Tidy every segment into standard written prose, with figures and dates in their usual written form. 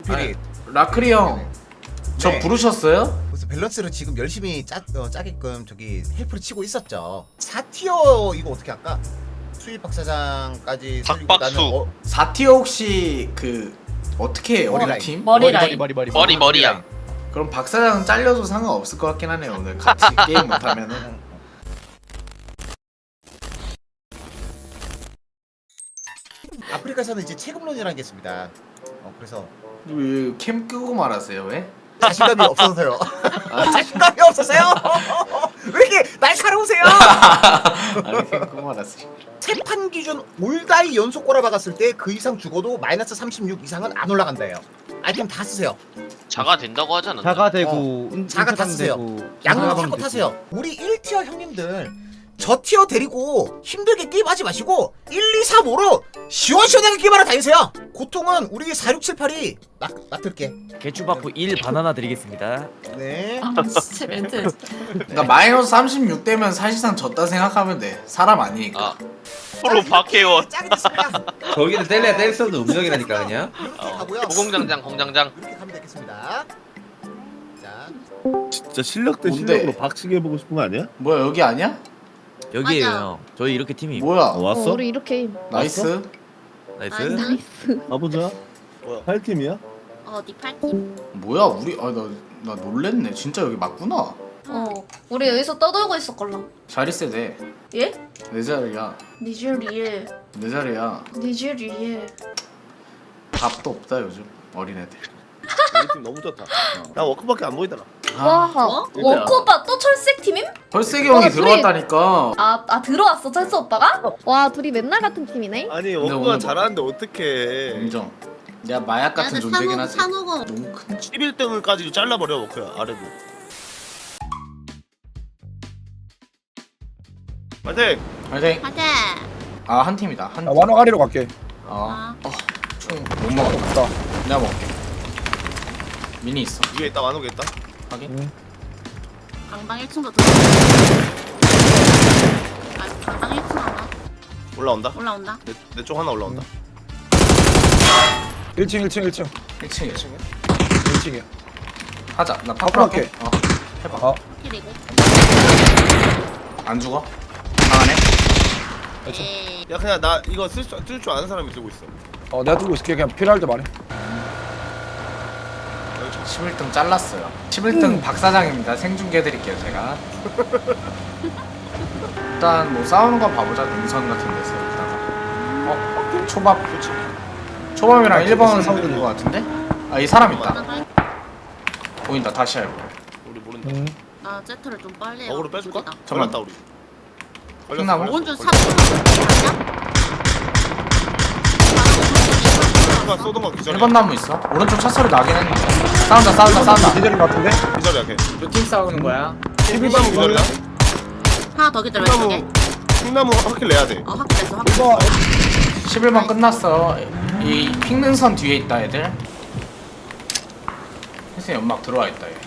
스피릿. 라크리 형, 저 네. 부르셨어요? 그래서 밸런스를 지금 열심히 짜게끔 저기 헬프를 치고 있었죠. 4티어 이거 어떻게 할까? 수입 박사장까지 살리고 박박수. 나는 4티어 혹시 그 어떻게 해요? 우리 머리라인. 팀? 머리 라인. 머리야. 그럼 박사장 잘려도 상관없을 것 같긴 하네요. 오늘 같이 게임 못하면은. 아프리카에서는 이제 체급론이라는 게 있습니다. 그래서 왜 캠 끄고 말하세요? 왜? 자신감이 없어서요. 자신감이 없어서요. 왜 이렇게 날카로우세요? 아니 캠 끄고 말하세요. 세판 기준 올다이 연속 꼬라박았을 때 그 이상 죽어도 마이너스 36 이상은 안 올라간다요. 아이템 다 쓰세요. 자가 된다고 하지 않았나? 자가 되고 자가 다 쓰세요. 양념 사고 타세요. 우리 1티어 형님들 저 티어 데리고 힘들게 게임하지 마시고 1, 2, 3, 5로 시원시원하게 게임하러 다니세요. 고통은 우리 4, 6, 7, 8이 맡을게. 개추 받고 1 바나나 드리겠습니다. 네. 아 진짜 멘트. 그러니까 마이너스 36 되면 사실상 졌다 생각하면 돼. 사람 아니니까. 아 프로 박혜원. 짱이 됐습니다. 저기는 뗄래야 뗄 수 없는 음정이라니까 그냥. 이렇게 가고요. 공장장 공장장. 이렇게 가면 되겠습니다. 자, 진짜 실력 대 뭔데? 실력으로 박치기 해보고 싶은 거 아니야? 뭐야 여기 아니야? 여기에요 맞아. 형. 저희 이렇게 팀이. 뭐야? 왔어? 우리 이렇게 나이스. 나이스. 나이스. 가보자. 뭐야? 8팀이야? 어네 팔팀. 뭐야 우리 나 놀랬네. 진짜 여기 맞구나. 우리 여기서 떠들고 있었걸랑. 자리세 돼. 예? 내 자리야. 니즈리에. 내 자리야. 니즈리에. 밥도 없다 요즘 어린애들. 우리 팀 너무 좋다. 나 워크밖에 안 보이더라. 와. 어? 워크 오빠 또 철색 팀임? 펄세기 형이 어, 들어왔다니까. 아 들어왔어 철새 오빠가? 와 둘이 맨날 같은 팀이네. 아니 오늘 워크가 뭐- 잘하는데 어떡해. 인정. 내가 마약 같은 존재긴 하지. 산호고. 너무 큰. 11등을까지 잘라버려 워크야 아래도. 파이팅! 파이팅. 파이팅. 아한 팀이다. 한. 팀. 완화가리로 갈게. 총못 먹어. 없다. 내가 먹을게. 미니 있어. 위에 있다 완호게 있다. 확인. 방방 1층도 들어. 아 방방 1층 하나 올라온다. 올라온다. 내 쪽 하나 올라온다. 1층 1층 1층 1층 1층. 1층이야. 하자. 나 앞으로 파프할게. 할게. 해봐. 어. 그리고. 안 죽어? 강하네. 예. 야 그냥 나 이거 쓸 줄 아는 사람이 들고 있어. 내가 들고 있을게. 그냥 필요할 때 말해. 11등 잘랐어요. 11등 박 사장입니다. 생중계 드릴게요 제가. 일단 뭐 싸우는 거 봐보자. 능선 같은 데서 여기다가. 초밥. 초밥이랑 1번은 싸우는 거 같은데? 아 이 사람 있다. 보인다. 다시 해보. 우리 모른다. 나 제트를 좀 빨리 해요. 어그로 빼줄까? 죽이다. 걸렸다 우리. 콩나물? 오른쪽 삽. 쏘던 거 기절이야. 1번 나무 있어. 오른쪽 차 소리 나긴 했는데. 싸운다. 기절인 것 같은데? 기절이야 걔. 몇팀 싸우는 거야? 11번 기절이야. 하나 더 기다려 왼쪽에. 콩나무 확킬 내야 돼. 확실했어 확. 이거 11번 끝났어. 이 핑능선 뒤에 있다 애들. 혜승 연막 들어와 있다 얘.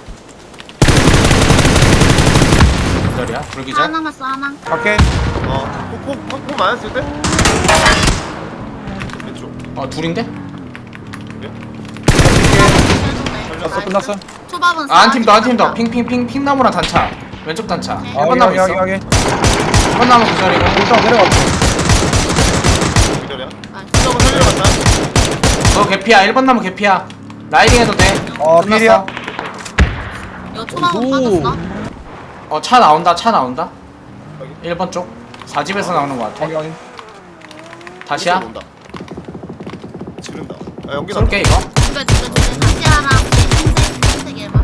기절이야? 불기절? 하나 남았어 하나. 갈게. 폭 맞았을 때? 왼쪽. 둘인데? 끝났어. 초밥은 한 팀 더, 한 팀 더. 핑 나무랑 단차. 왼쪽 단차. 네. 1번 나무 있어. 1번 나무 기절이고. 일단 내려갔어. 기절이야. 콩나무 살리러 갔다. 너 개피야. 1번 나무 개피야. 라이딩 해도 돼. 필이야. 이거 초밥은 오. 빠졌어. 차 나온다. 1번 쪽. 4집에서 나오는 거 같아. 확인. 다시야. 온다. 지른다. 아 연기 나. 쏠게 이거. 이거 다시 하나. 흰색 해봐.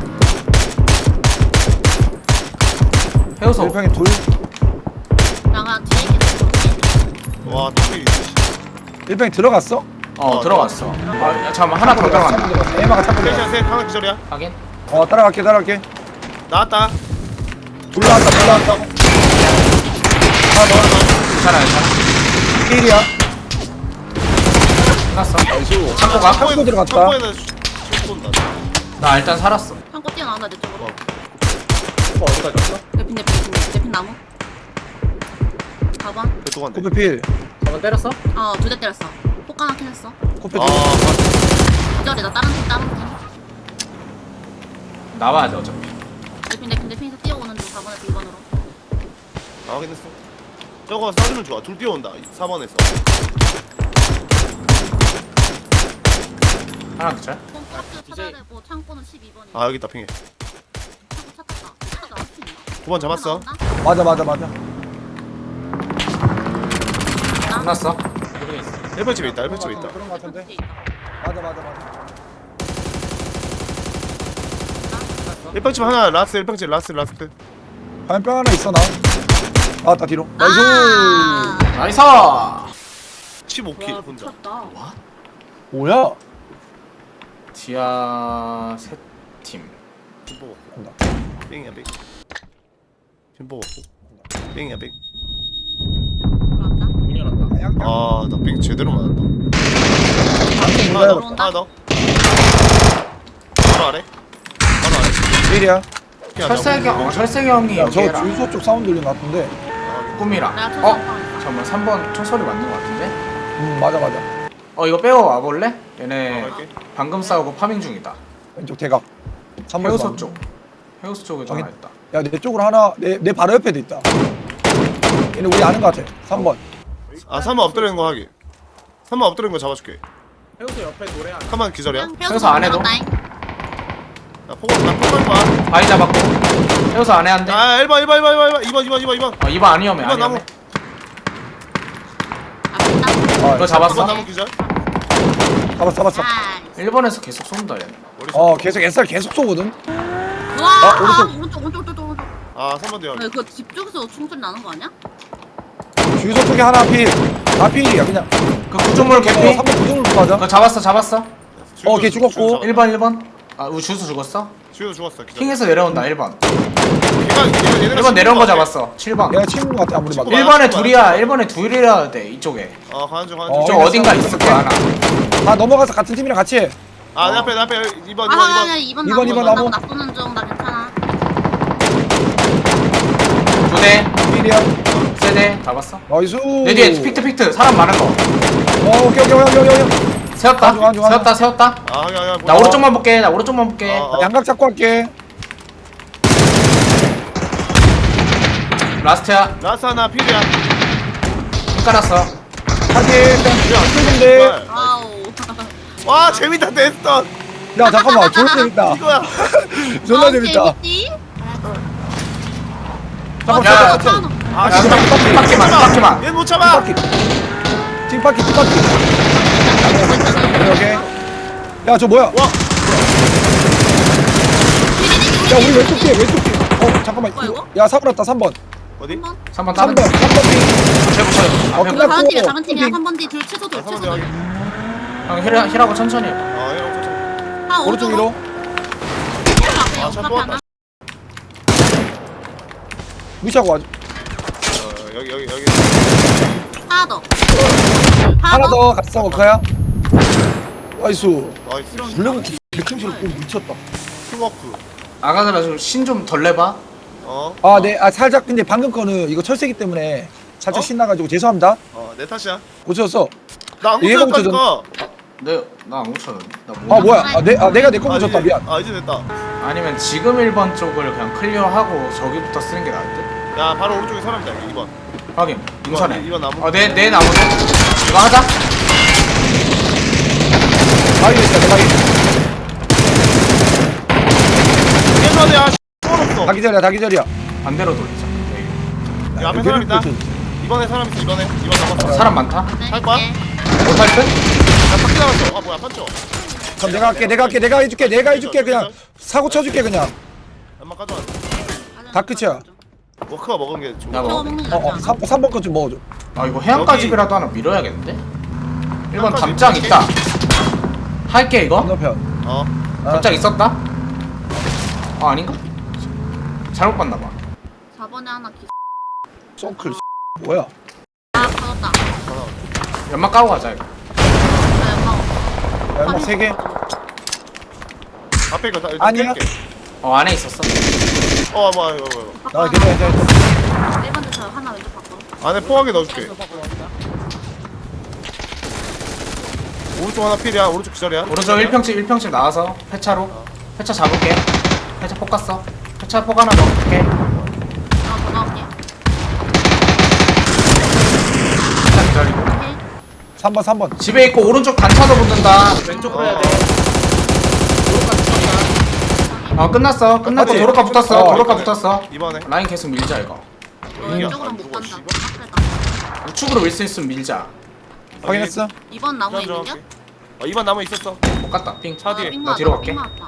해우소. 1평에 둘. 나가 뒤에 있는 와 토끼. 1평에 들어갔어? 들어갔어. 야, 잠깐만 하나 더 들어간다. 에마가 찾고 셋이야 들어갔어. 셋. 하나 기절이야. 확인. 따라갈게. 나왔다. 둘 나왔다. 하나 더. 괜찮아. 필이야. 끝났어. 창고 가. 창고 들어갔다. 창고에다 쏜다. 나 일단 살았어. 창고 뛰어나온다 내 쪽으로. 어디까지 갔어? 내핀 나무. 봐봐. 대통한데. 코페 필. 한번 때렸어? 2대 때렸어. 폭 하나 캔했어. 코페 아 둘. 기절이다 다른 나와야 돼 어차피. 근데 핀에서 뛰어오는 중 4번에서 2번으로. 아 확인했어. 저거 쏴주면 좋아. 둘 뛰어온다. 4번에서. 하나 기절. 홈박스 찾아야 되고 창고는 12번이야. 아 여기 있다 핑해. 창고 찾았다. 찾아 나올 수 있나? 9번 잡았어. 맞아. 끝났어. 1번집에 있다. 1번집에 있다. 그런 거 같은데. 있다. 맞아. 1번집 하나 라스트 1번집 라스트. 화염병 하나 있어 나. 나왔다 뒤로. 나이스. 아. 나이스. 15킬 혼자. 미쳤다. 뭐야? 디아 세 팀. 핀보 먹고. 온다. 뺑이야 뺑. 핀보 먹고. 뺑이야 뺑. 들어왔다. 문 열었다. 아나 뺑 제대로 맞았다. 몰라요. 하나 더. 바로 아래. 바로 아래. 1이야. 철새기 형이 야, 여기 저 해라. 주유소 쪽 사운드 들리는 것 같은데. 꿈이라. 내가 어? 초성 잠깐만 3번 총소리 맞는 것 같은데? 맞아. 이거 빼고 와볼래? 얘네 갈게. 방금 싸우고 파밍 중이다. 왼쪽 대각. 3번 해우소 쪽. 해우소 쪽에도 저기- 하나 있다. 야, 내 쪽으로 하나, 내 바로 옆에도 있다. 얘는 우리 아는 것 같아. 3번. 아 3번 엎드리는 거 하기. 3번 엎드리는 거 잡아줄게. 해우소 옆에 노래 하나. 3번 기절이야. 해우소 안에도? 나 포괄 봐. 바위 잡았고. 해우소 안에 한 대. 아 1번 2번 2번 안 위험해. 2번 나무. 아, 이거 2번 잡았어? 나무 기절. 잡았어. 1번에서 계속 쏜다 얘네. 계속 SR 계속 쏘거든. 와, 오른쪽. 오른쪽. 아 3번 대야. 네, 그거 집 쪽에서 총소리 나는 거 아니야? 주유소 쪽에 하나 필. 다 필이야, 그냥. 그 구조물 개피. 3번 구동으로 가자. 그거 잡았어. 걔 죽었고. 1번. 아 우리 주수 죽었어? 주유 죽었어. 기절. 킹에서 내려온다 1번. 얘네가 1번 내려온 거 친구 같아. 잡았어. 7번. 내가 친구 같아, 아무리 봐도. 1번에 둘이야. 1번에 둘이라 돼 이쪽에. 가는 중. 이쪽 어딘가 있을 거야 하나. 다 넘어가서 같은 팀이랑 같이 해. 아 내 앞에 2번. 아니 2번 나무. 2번 나무. 나 쏘는 중. 나 괜찮아. 2대. 필이야. 세대 잡았어. 나이스. 내 뒤에 픽트 사람 많은 거. 오케이. 세웠다. 안좋아. 세웠다. 아 나 오른쪽만 볼게. 양각 잡고 할게. 라스트야. 라스 하나 필이야. 힘 깔았어. 하긴, 데 아우. 와 재밌다 데스턴. 야, 잠깐만. 존나 재밌다. 이거야. 존나 재밌다. 재밌지? 야, 아 야, 빡기만. 얘못 참아. 팀바퀴. 오케이. 야, 저 뭐야? 와. 야, 우리 왼쪽 뒤에. 잠깐만. 뭐야, 이거? 야, 사고 났다, 3번. 어디? 3번 다른 3번. 3번. 제부 끝났고. 다른 팀이야. 다른 팀이야. 캠핑. 3번 뒤 둘 최소 둘. 아 3번 최소 대하기. 둘. 형 힐하고 천천히 해봐. 아 이런 거. 아, 오른쪽 위로. 아, 참 뽑았다. 무시하고 와줘. 여기. 하나 더. 하나 더 갔어, 워커야. 나이스. 나이스. 블랙은 개킹소리 미쳤다. 팀워크. 아가들아 좀 신 좀 덜 내봐. 살짝 근데 방금 거는 이거 철새기 때문에 살짝 어? 신나가지고 죄송합니다. 내 탓이야. 고쳤어. 나안 얘가 고쳤다니까. 나안 고쳤는데. 나 뭐야? 내가 내 거 고쳤다. 미안. 이제 됐다. 아니면 지금 1번 쪽을 그냥 클리어하고 저기부터 쓰는 게 나을 듯? 야 바로 오른쪽에 사람이다 2번. 확인. 인선해. 이번 나무. 내 나무도. 이거 하자. 바위 있다. 내 바위. 예전에 없어. 다 기절이야. 반대로 돌리자. 이 앞에 사람 있다. 이번에 사람 있어. 이번 남았어. 사람 많다. 할 거야? 못할 듯? 나 바퀴 나갔어. 뭐야 판죠? 그럼 내가 해줄게. 그냥 사고 쳐줄게 그냥. 엄마 가져와. 다 끝이야. 워크가 먹은 게 좋아. 나 저거 먹어. 먹는 거 같지 않아? 3번 거 좀 먹어줘. 아 이거 해안가집이라도 하나 밀어야겠는데? 1번 해안가집 담장 밀게. 있다. 할게 이거? 건너편. 담장 있었다? 아닌가? 잘못 봤나봐. 4번에 하나 기. 썬클 뭐야? 받았다. 연막 까고 가자 이거. 네, 야, 3개. 앞에 이거 다 일단 아니야. 깰게. 안에 있었어. 뭐야 이거. 나 괜찮아. 1번 저 하나 왼쪽 바꿔. 안에 포하게 넣어줄게. 오른쪽 하나 필이야. 오른쪽 기절이야. 오른쪽 1평집 나와서 폐차로. 폐차 잡을게. 폐차 폭 갔어. 폐차 폭 하나 넣을게. 더 넣을게. 폐차 기다리고. 오케이. 3번. 집에 있고 오른쪽 단차도 붙는다. 왼쪽으로 해야 돼. 끝났어. 끝났고 맞지? 도로가 붙었어. 어, 도로가 붙었어. 이번에 라인 계속 밀자 이거. 너 왼쪽으로 못 간다. 씨발. 빡세다. 우측으로 밀 수 있으면 밀자. 확인했어. 이번 나무 있는겨? 이번 나무 있었어. 못 갔다. 핑. 차 뒤에. 나 뒤로 갈게. 왔다.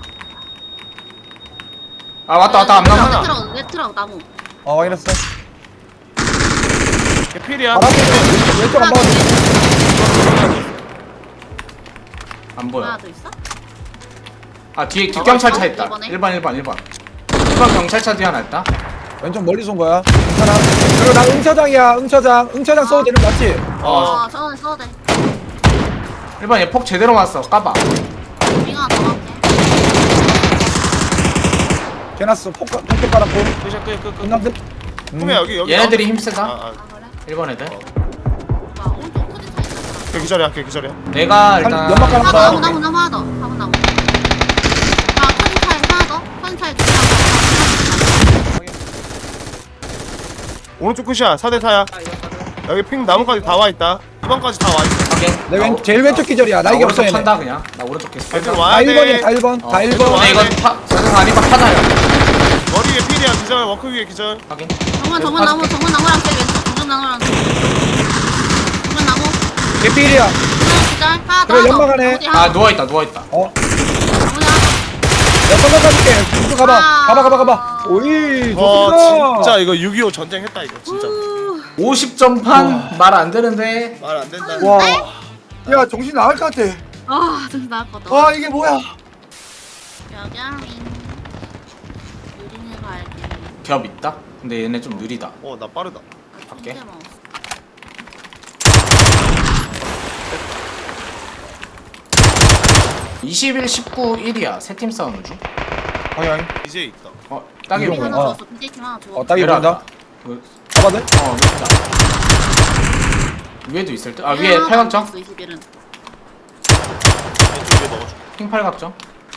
아 왔다 안 나와. 트럭 나무. 확인했어. 필이야. 바람 왼쪽 안 봐도 안 보여. 하나 더 있어? 아 뒤에 뒷경찰차 있다. 이번에? 1번 경찰차 뒤에 하나 있다. 왼쪽 멀리서 온 거야. 괜찮아. 그리고 나 응처장이야. 응처장 써도 되는 거 맞지? 어. 써도 돼. 1번 얘 폭 제대로 맞았어. 까봐. 빙하 더 갈게. 개났어. 폭격 깔았고. 끝. 끝났어. 꿈이야 여기. 얘네들이 힘 세다. 아, 아 그래? 1번 애들. 와 오른쪽 터진 차 있어. 그 기절이야. 그 기절이야. 내가 일단 연막 깔았어. 나무 하나 더. 나무. 아 터진 차에 하나 더. 터진 차에 두 명. 오른쪽 끝이야. 4대 4야. 여기 핑 나무까지 다 와 있다. 2번까지 다 와 있어. 확인. 내 제일 왼쪽 기절이야. 나 이게 없어 오른쪽 얘네. 탄다 그냥. 나 오른쪽 계속 애들 탄다. 와야 다 돼. 1번이야. 다 1번. 다 1번. 근데 이거 저승 아니면 타다야. 머리 위에 필이야. 기절. 워크 위에 기절. 확인. 정문 나무랑 제일 왼쪽. 정문 나무랑 정문 나무. 개필이야. 하나 기절. 하나 더. 그래, 연막 안에. 아 누워있다. 어. 정문 하나 더. 야, 선거 가줄게. 이쪽 가봐. 오이. 와 좋습니다. 진짜 이거 6.25 전쟁 했다 이거 진짜. 50점 판 말 안 되는데. 말 안 된다. 와. 야, 정신 나갈 것 같아. 아 정신 나갔거든. 와, 이게 뭐야? 여경인. 유린을 갈게. 겹 있다. 근데 얘네 좀 느리다. 나 빠르다. 갈게. 21, 19, 1이야. 세 팀 싸우는 중. 방향. 이제 있다. 딱이 이거 빙 보인다. 하나 어. 줬어. 빈대팀 하나 줘. 딱이 보인다. 그, 잡아도 돼? 있다. 위에도 있을 듯. 아 위에 팔각정. 21은. 왼쪽 위에 넣어줘. 핑 팔각정.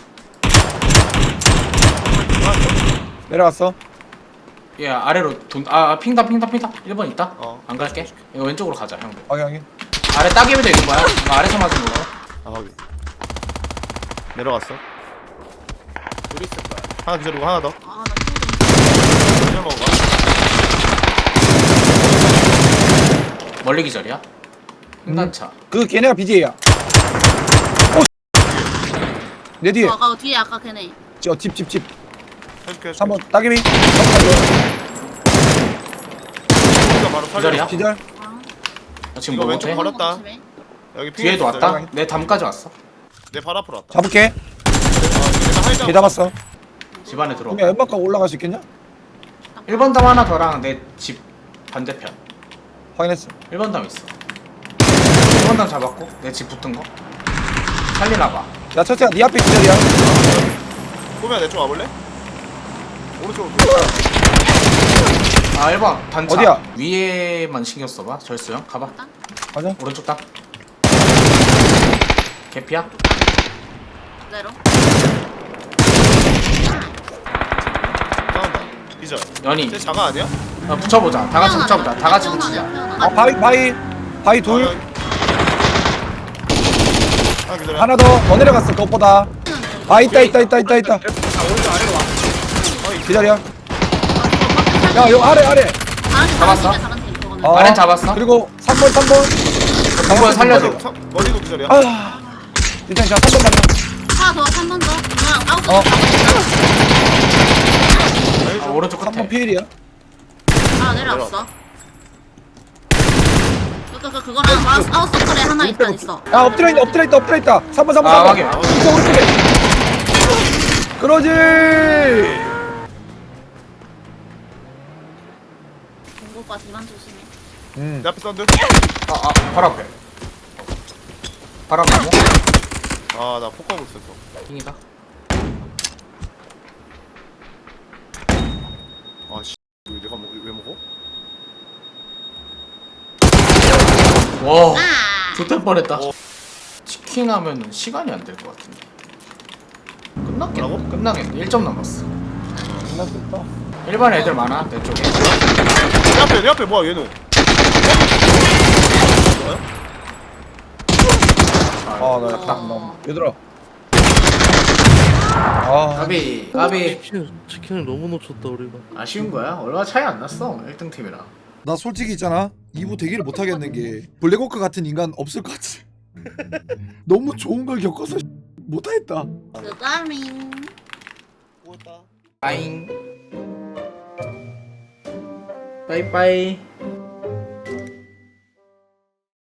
내려갔어. 얘 아래로 돈. 핑다. 1번 있다. 안 갈게. 이거 왼쪽으로 가자 형들. 방향이. 아래 따개비도 있는 거야. 이거 아래서 맞은 거야. 확인. 내려갔어. 둘 있을 거야. 하나 기절이고 하나 더. 아나 기절 먹어봐. 멀리 기절이야. 횡단차. 그 걔네가 BJ야. 오. 내 뒤에. 아까 뒤에 아까 걔네. 집. 해줄게. 3번 따개비. 바로 기절이야? 기절. 지금 이거 뭐 왼쪽 못해? 걸었다. 여기 핑 뒤에도 있었어요. 왔다. 내 담까지 왔어. 내 발 앞으로 왔다. 잡을게. 내가 하이드 걔 잡았어. 집 안에 들어. 그러면 연막가 올라갈 수 있겠냐? 1번 담 하나 더랑 내 집 반대편. 확인했어. 1번 담 있어. 1번 담 잡았고 내 집 붙은 거. 살리나 봐. 야, 첫째야, 네 앞에 기절이야. 꼬미야 내쪽 와볼래? 오른쪽으로. 1번 단차. 어디야? 위에만 신경 써봐. 절수형 가봐. 가자. 오른쪽 땅. 개피야? 그대로. 싸운다. 기절. 연이. 쟤 자가 아니야? 붙여보자. 다 같이 붙여보자. 다 같이 붙이자. 아, 바위 둘. 하나 기절이야. 하나 더 내려갔어. 그것보다. 있다. 기다려. 야, 요 아래. 잡았어? 어, 아래 잡았어? 그리고 3번. 정보에 살려줘. 머리도 기절이야. 일단 자 3번 맞나? 하나 더, 3번 더. 그냥 아웃. 오른쪽 끝에. 3번 피일이야. 아, 내려왔어. 그거랑 아웃 서클에 하나 있어. 야, 엎드려 있다. 3번. 확인. 이쪽 오른쪽에. 그러지. 공고빠 뒤만 조심해. 내 앞에 사운드. 바로 앞에. 바로 앞에. 나 폭하고 있었어. 핑이다. 왜 내가 왜 먹어? 와. 아! 좋될 뻔했다. 어. 치킨 하면은 시간이 안 될 것 같은데. 끝났겠네. 뭐라고? 끝나겠네. 1점 남았어. 만날 수 있다. 1번 애들 많아 내 쪽에. 내 앞에 뭐야 얘는? 아나 약간 나 얘들아. 아 까비 치킨을 너무 놓쳤다 우리가. 아쉬운 거야. 얼마 차이 안 났어 1등 팀이랑. 나 솔직히 있잖아 2부 대기를 못 하겠는 게 블랙워크 같은 인간 없을 것 같지. 너무 좋은 걸 겪어서 못 하겠다. 그다밍. 빠잉. 빠이빠이.